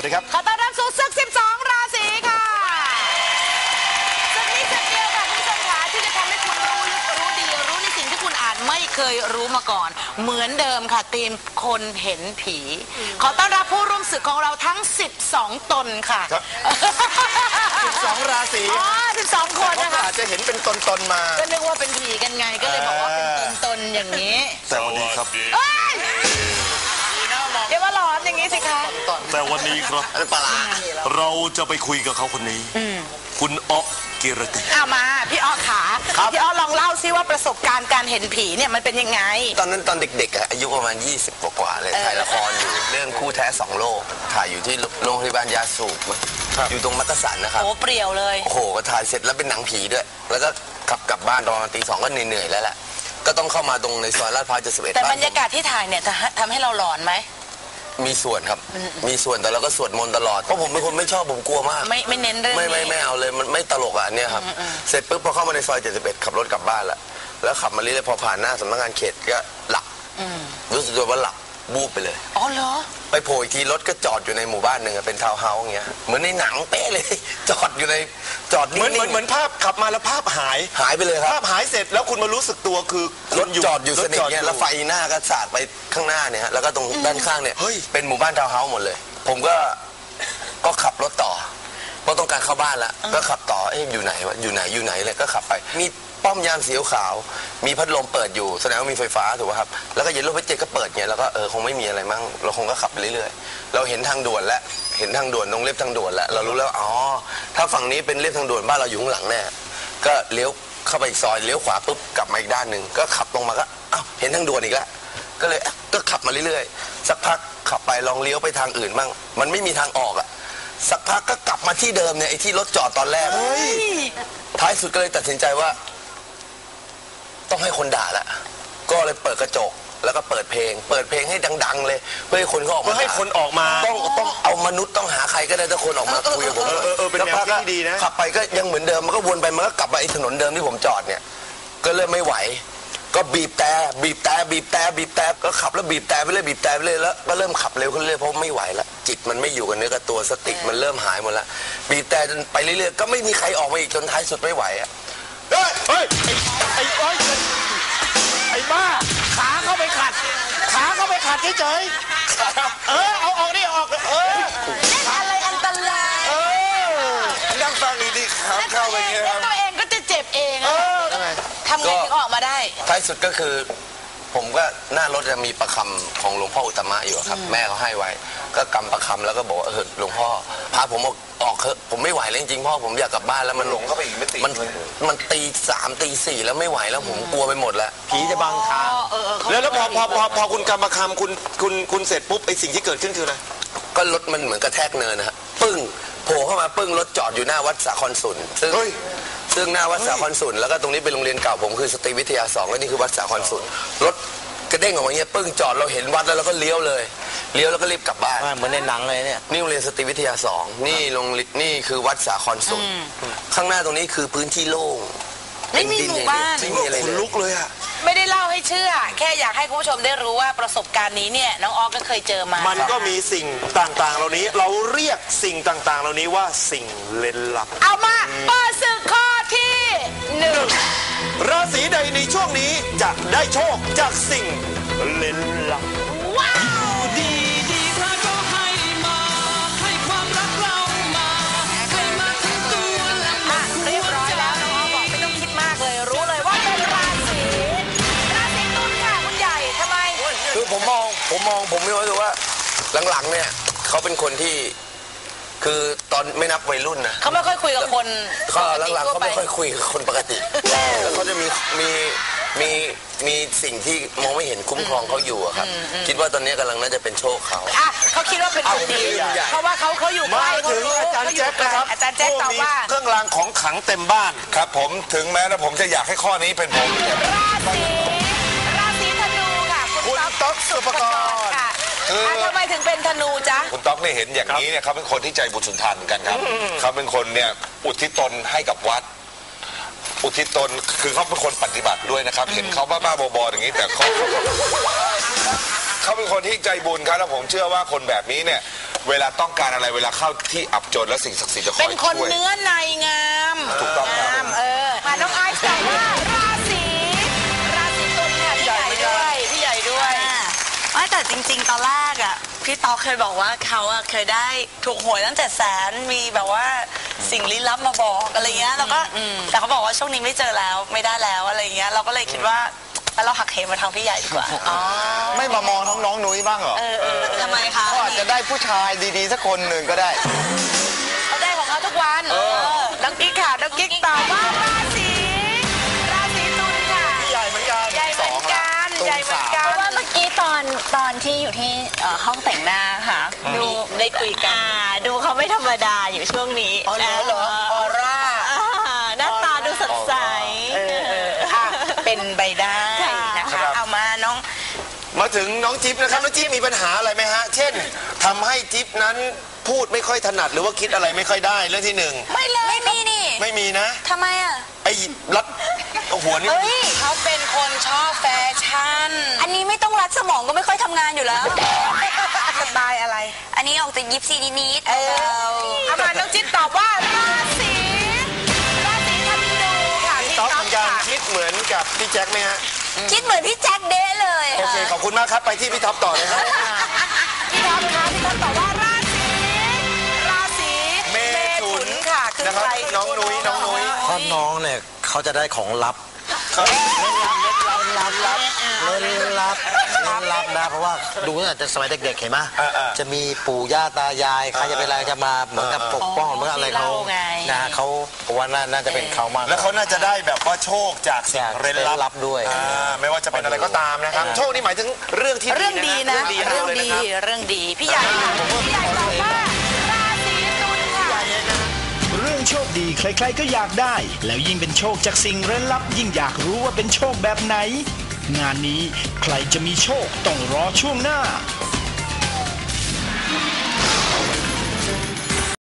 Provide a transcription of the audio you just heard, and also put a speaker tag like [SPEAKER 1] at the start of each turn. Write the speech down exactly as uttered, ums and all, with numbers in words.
[SPEAKER 1] ดีครับ
[SPEAKER 2] ขอต้อนรับสู่ศึกสิบสองราศีค่ะศึกนี้ศึกเดียวค่ะคุณผู้ชมค่ะที่จะทำให้คุณรู้ลึกรู้ดีรู้ในสิ่งที่คุณอาจไม่เคยรู้มาก่อนเหมือนเดิมค่ะทีมคนเห็นผีขอต้อนรับผู้ร่วมศึกของเราทั้งสิบสองตนค่ะ
[SPEAKER 1] สิบสองราศี
[SPEAKER 2] อ๋อสิบสองคนนะคะ
[SPEAKER 1] อาจจะเห็นเป็นตนๆมา
[SPEAKER 2] ก็นึกว่าเป็นผีกันไงก็เลยบอกว่าเป็นตนๆอย่างนี้
[SPEAKER 3] แต่วันนี้ครับ
[SPEAKER 2] เดี๋ยวว่าหลอนอย่างนี้สิคะ
[SPEAKER 3] แต่วันนี้ครับเราจะไปคุยกับเขาคนนี้คุณอ๊อกกิรติ
[SPEAKER 2] เอามาพี่อ๊อกขาพี่อ๊อกลองเล่าซิว่าประสบการณ์การเห็นผีเนี่ยมันเป็นยังไง
[SPEAKER 4] ตอนนั้นตอนเด็กๆอายุประมาณยี่สิบกว่าๆเลยถ่ายละครอยู่เรื่องคู่แท้สองโลกถ่ายอยู่ที่โรงพยาบาลยาสูบอยู่ตรงมักกะสันนะครับ
[SPEAKER 2] โอ้เปรี้ยวเลย
[SPEAKER 4] โอ้โหก็ถ่ายเสร็จแล้วเป็นหนังผีด้วยแล้วก็ขับกลับบ้านตอนตีสองก็เหนื่อยๆแล้วแหละก็ต้องเข้ามาตรงในซอยลาดพร้าวเจ็ดสิบเอ็ด
[SPEAKER 2] แต่บรรยากาศที่ถ่ายเนี่ยทำให้เราหลอนไหม
[SPEAKER 4] มีส่วนครับมีส่วนแต่เราก็สวดมนต์ตลอดเพราะผมเป็นคนไม่ชอบผมกลัวมาก
[SPEAKER 2] ไม่ไม่เน้นเรื่อง
[SPEAKER 4] ไม่ไม่ไม่เอาเลยมันไม่ตลกอ่ะเนี่ยครับเสร็จปุ๊บพอเข้ามาในซอยเจ็ดสิบเอ็ดขับรถกลับบ้านละแล้วขับมาเรื่อยๆพอผ่านหน้าสำนักงานเขตก็หลับรู้สึกว่าหลับบูบไปเลย
[SPEAKER 2] อ๋อเหรอ
[SPEAKER 4] ไปโผล่อีกทีรถก็จอดอยู่ในหมู่บ้านหนึ่งเป็นทาวน์เฮาส์อย่างเงี้ยเหมือนในหนังเป๊ะเลยจอดอยู่ในจอด
[SPEAKER 1] นิ่งเหมือนเหมือนภาพขับมาแล้วภาพหาย
[SPEAKER 4] หายไปเลยครับ
[SPEAKER 1] ภาพหายเสร็จแล้วคุณมารู้สึกตัวคือ
[SPEAKER 4] รถจอดอยู่สนิทเนี่ยแล้วไฟหน้าก็สาดไปข้างหน้าเนี่ยแล้วก็ตรงด้านข้างเนี่ยเป็นหมู่บ้านทาวน์เฮาส์หมดเลยผมก็ก็ขับรถต่อเพราะต้องการเข้าบ้านแล้วก็ขับต่อเอ๊ะอยู่ไหนวะอยู่ไหนอยู่ไหนเลยก็ขับไปมีป้อมยามสีขาวมีพัดลมเปิดอยู่แสดงว่ามีไฟฟ้าถูกป่ะครับแล้วก็เย็นรถไฟเจ็ตก็เปิดเงี้ยแล้วก็เออคงไม่มีอะไรมั้งเราคงก็ขับไปเรื่อยๆเราเห็นทางด่วนแล้วเห็นทางด่วนตรงเรียบทางด่วนแล้วเรารู้แล้วอ๋อถ้าฝั่งนี้เป็นเรียบทางด่วนบ้านเราอยู่ข้างหลังแน่ก็เลี้ยวเข้าไปอีกซอยเลี้ยวขวาปุ๊บกลับมาอีกด้านหนึ่งก็ขับลงมาก็อ้าวเห็นทางด่วนอีกแล้วก็เลยก็ขับมาเรื่อยๆสักพักขับไปลองเลี้ยวไปทางอื่นบ้างมันไม่มีทางออกอ่ะสักพักก็กลับมาที่เดิมเนี่ยไอ้ที่รถจอดตอนแรกท้ายสุดก็เลยตัดสินใจว่าต้องให้คนด่าละก็เลยเปิดกระจกแล้วก็เปิดเพลงเปิดเพลงให้ดังๆเลยเพื่อให้คนเขาออกมา
[SPEAKER 1] ให้คนออกมา
[SPEAKER 4] ต้องต้องเอามนุษย์ต้องหาใครก็ได้ถ้าคนออกมาคุยกับผม
[SPEAKER 1] เออเออเป็นแนวที่ดีนะ
[SPEAKER 4] ขับไปก็ยังเหมือนเดิมมันก็วนไปมันก็กลับมาไอ้ถนนเดิมที่ผมจอดเนี่ยก็เริ่มไม่ไหวก็บีบแต่บีบแต่บีบแต่บีบแต่ก็ขับแล้วบีบแต่ไปเรื่อยบีบแต่ไปเรื่อยแล้วก็เริ่มขับเร็วขึ้นเรื่อยเพราะไม่ไหวแล้วจิตมันไม่อยู่กับเนื้อกับตัวสติมันเริ่มหายหมดแล้วบีบแต่จนไปเรื่อยๆก็ไม่มีใครออกมาอีกจนท้ายสุดไม่ไหวอ่ะ
[SPEAKER 1] เฮ้ยเฮ้ยไอ้ไอ้ไอ้บ้าขาเข้าไปขัดขาเข้าไปขัดเฉยๆเออเอาออกนี่ออกเออ
[SPEAKER 2] เล่นอะไรอันตราย
[SPEAKER 1] เออ
[SPEAKER 4] นั่งฟังดีๆขาเข้าไปเงี้ย
[SPEAKER 2] แล้วตัวเองก็จะเจ็บเองทำไงถึงออกมาได้
[SPEAKER 4] ท้ายสุดก็คือผมก็หน้ารถจะมีประคำของหลวงพ่ออุตตมะอยู่ครับแม่เขาให้ไว้ก็กำประคำแล้วก็บอกเออหลวงพ่อพาผมออกออกเถอะผมไม่ไหวแล้วจริงๆพ่อผมอยากกลับบ้านแล้วมัน
[SPEAKER 1] หลงเข้าไปอีกไม่ตี
[SPEAKER 4] มันมันตีสามตีสี่แล้วไม่ไหวแล้วผมกลัวไปหมดแล้ว
[SPEAKER 1] ผีจะบังทางแล้วแล้วพอพอพอพอคุณกำประคำคุณคุณคุณเสร็จปุ๊บไอสิ่งที่เกิดขึ้นคืออะไร
[SPEAKER 4] ก็รถมันเหมือนกระแทกเนินนะฮะปึ้งโผล่เข้ามาปึ้งรถจอดอยู่หน้าวัดสาครสุนซึ่งซึ่งหน้าวัดสาครสุนแล้วก็ตรงนี้เป็นโรงเรียนเก่าผมคือสตรีวิทยาสองและนี่คือวัดสาครสุนรถกระเด้งออกมาเงี้ยปึ้งจอดเราเห็นวัดแล้วเราก็เลี้ยวเลยเลี้ยวแล้วก็รีบกลับบ้าน
[SPEAKER 2] เหมือนในหนังเลยเนี่ย
[SPEAKER 4] นี่โรงเรียนสตรีวิทยาสองนี่โรงนี่คือวัดสาครสุนข้างหน้าตรงนี้คือพื้นที่โล่ง
[SPEAKER 2] ไม่มีหมู่บ้าน
[SPEAKER 4] ไม่มีอะไรเลย
[SPEAKER 1] ลุกเลยอะ
[SPEAKER 2] ไม่ได้เล่าให้เชื่อแค่อยากให้คุณผู้ชมได้รู้ว่าประสบการณ์นี้เนี่ยน้องออกก็เคยเจอมา
[SPEAKER 1] มันก็มีสิ่งต่างๆเหล่านี้เราเรียกสิ่งต่างๆเหล่านี้ว่าสิ่งเล่นลับ
[SPEAKER 2] เอามาเปิดศึกข้อที่หนึ่ง
[SPEAKER 1] ราศีใดในช่วงนี้จะได้โชคจากสิ่งเล่นลับ
[SPEAKER 2] ว้าว
[SPEAKER 5] ดีดีพระก็ให้มาให้ความรักเรามาให้มาถึงตัวและมา
[SPEAKER 2] เรียบร้อยแล้วน้องออกบอกไม่ต้องคิดมากเลยรู้เลยว่าเป็นราศีราศีตุลค่ะคุณใหญ่ทำไม
[SPEAKER 4] คือผมมองผมมองผมไม่รู้สึกว่าหลังๆเนี่ยเขาเป็นคนที่คือตอนไม่นับวัยรุ่นนะ
[SPEAKER 2] เขาไม่ค่อยคุยกับคน
[SPEAKER 4] เขาหลังๆเขาไม่ค่อยคุยกับคนปกติแล้วเขาจะมีมีมีมีสิ่งที่มองไม่เห็นคุ้มครองเขาอยู่ครับคิดว่าตอนนี้กำลังน่าจะเป็นโชคเขา
[SPEAKER 2] อ่ะเขาคิดว่าเป็นคนดีเพราะว่าเขาเขาอยู่ใกล้
[SPEAKER 1] เขารู้อาจารย์แจ๊คนะครับ
[SPEAKER 2] อาจารย์แจ๊คตอบว่า
[SPEAKER 1] เครื่องรางของขลังเต็มบ้าน
[SPEAKER 3] ครับผมถึงแม้นะผมจะอยากให้ข้อนี้เป็นผม
[SPEAKER 2] ราศีราศีธนูค่ะ
[SPEAKER 1] คุณต๊อกสุภกร
[SPEAKER 2] ทำไมถึงเป็นธนูจ๊ะ
[SPEAKER 3] คุณต๊อกเนี่ยเห็นอย่างนี้เนี่ยเขาเป็นคนที่ใจบุญสุนทานเหมือนกันครับเขาเป็นคนเนี่ยอุทิศตนให้กับวัดอุทิศตนคือเขาเป็นคนปฏิบัติด้วยนะครับเห็นเขาบ้าๆบอๆอย่างนี้แต่เขาเขาเป็นคนที่ใจบุญครับแล้วผมเชื่อว่าคนแบบนี้เนี่ยเวลาต้องการอะไรเวลาเข้าที่อับจนแล้วสิ่งศักดิ์สิทธิ์จะคอย
[SPEAKER 2] เป็
[SPEAKER 3] ช่
[SPEAKER 2] น
[SPEAKER 3] วย
[SPEAKER 2] คนเนื้อในงาม
[SPEAKER 3] ถูกต้องครับ
[SPEAKER 2] งามเออค่ะน้องไอซ์ตอบว่าราศีราศีตุลค่ะพี่ใหญ่ด้วยพี่ใหญ่ด้วย
[SPEAKER 6] ไม่แต่จริง ๆ ตอนแรกอ่ะพี่ต๊อกเคยบอกว่าเขาอ่ะเคยได้ถูกหวยตั้งแต่แสนมีแบบว่าสิ่งลี้ลับมาบอกอะไรเงี้ยแล้วก็แต่เขาบอกว่าช่วงนี้ไม่เจอแล้วไม่ได้แล้วอะไรเงี้ยเราก็เลยคิดว่าแล้วเราหักเหมาทางพี่ใหญ่ดีกว่า
[SPEAKER 1] ไม่มามองท้องน้องนุ้ยบ้างเหรอ
[SPEAKER 6] เออเออทำไมคะ
[SPEAKER 1] เขาอาจจะได้ผู้ชายดีๆสักคนหนึ่งก็ได้
[SPEAKER 2] เขาได้ของเขาทุกวันน้องกิ๊กค่ะน้องกิ๊กตอบว่าราศีราศีตุลค่ะ
[SPEAKER 1] ใหญ่เหมือนกัน
[SPEAKER 2] ใหญ่เหมือนกันใหญ่เหมือนกั
[SPEAKER 7] เพ
[SPEAKER 2] น
[SPEAKER 7] ราะว่าเมื่อกี้ตอนตอนที่อยู่ที่เอ่อห้องแต่งหน้าค่ะดู
[SPEAKER 2] ได้คุยกัน
[SPEAKER 7] อ่าดูเขาไม่ธรรมดาอยู่ช่วงนี้
[SPEAKER 2] อ๋อเหรอเหรอออร่า
[SPEAKER 7] อ่าหน้าตาดูสดใส
[SPEAKER 2] เออเอออ่ะเป็นไปได้นะ
[SPEAKER 1] ครั
[SPEAKER 2] คะ
[SPEAKER 1] บ
[SPEAKER 2] เอามาน้อง
[SPEAKER 1] มาถึงน้องจิ๊บนะครับน้องจิ๊บมีปัญหาอะไรไหมฮะ เช่นทำให้จิ๊บนั้นพูดไม่ค่อยถนัดหรือว่าคิดอะไรไม่ค่อยได้เรื่องที่หนึ่ง
[SPEAKER 2] ไม่เลย
[SPEAKER 6] ไม่มีนี่
[SPEAKER 1] ไม่มีนะ
[SPEAKER 6] ทำไมอ่ะ
[SPEAKER 1] ไอ้รัดหัวนี่
[SPEAKER 2] เฮ้ยเขาเป็นคนชอบแฟชั่น
[SPEAKER 6] อันนี้ไม่ต้องรัดสมองก็ไม่ค่อยทำงานอยู่แล้ว
[SPEAKER 2] สไตล์อะไร
[SPEAKER 6] อันนี้ออกจากยิปซีนิดๆ
[SPEAKER 2] เออ
[SPEAKER 6] เบา
[SPEAKER 2] เอามาน้องจิ๊บตอบว่าราศีราศีธนูค่ะ
[SPEAKER 1] พี่
[SPEAKER 2] พี่
[SPEAKER 1] ต๊
[SPEAKER 2] ต๊
[SPEAKER 1] อ
[SPEAKER 2] อก ก
[SPEAKER 1] เหมือนกัน
[SPEAKER 2] ค่ะ
[SPEAKER 1] คิดเหมือนกับพี่แจ็คไหมฮะ
[SPEAKER 6] ๆคิดเหมือนพี่แจ็คเด้เลย
[SPEAKER 1] โอเค
[SPEAKER 6] ค่ะ
[SPEAKER 1] ขอบคุณมากครับไปที่พี่ท็อปต่อเลยฮะ
[SPEAKER 2] พี่ท็อปคะพี่ท็อปตอบว่าราศีราศี
[SPEAKER 1] เมถุน
[SPEAKER 2] ค่ะคือ
[SPEAKER 1] นะครับ
[SPEAKER 2] ใคร
[SPEAKER 1] น้องนุ้ยน้องนุ้ย
[SPEAKER 8] เพราะน้องเนี่ยเขาจะได้ของลับลับลับเล่นลับเล่นลับนะเพราะว่าดูตั้งแต่สมัยเด็กๆเห็นไหมจะมีปู่ย่าตายายใครจะเป็นอะไรจะมาเหมือนกับปกป้องเหมือนอะไรเขานะเขาผมว่าน่าจะเป็นเขามาก
[SPEAKER 1] แล้วเขาน่าจะได้แบบว่าโชคจากสิ่ง
[SPEAKER 8] จาก
[SPEAKER 1] เร้น
[SPEAKER 8] เล่น
[SPEAKER 1] ลั
[SPEAKER 8] ลั
[SPEAKER 1] บบ
[SPEAKER 8] ด้วย
[SPEAKER 1] อ่าไม่ว่าจะเป็นอะไรก็ตามนะครับ โชคนี่หมายถึงเรื่องที่
[SPEAKER 2] เรื่องดีนะ
[SPEAKER 1] เรื่
[SPEAKER 2] เรื่
[SPEAKER 1] อ
[SPEAKER 2] อง ง
[SPEAKER 1] ดี
[SPEAKER 2] ดี
[SPEAKER 1] นะ
[SPEAKER 2] เรื่องดีพี่ใหญ่ค่ะพี่ใหญ่ตอบว่าราศีตุลค่ะ
[SPEAKER 9] เรื่องโชคดีใครๆก็อยากได้ แล้วยิ่งเป็นโชคจากสิ่งเร้นลับ ยิ่งอยากรู้ว่าเป็นโชคแบบไหน งานนี้ใครจะมีโชคต้องรอช่วงหน้า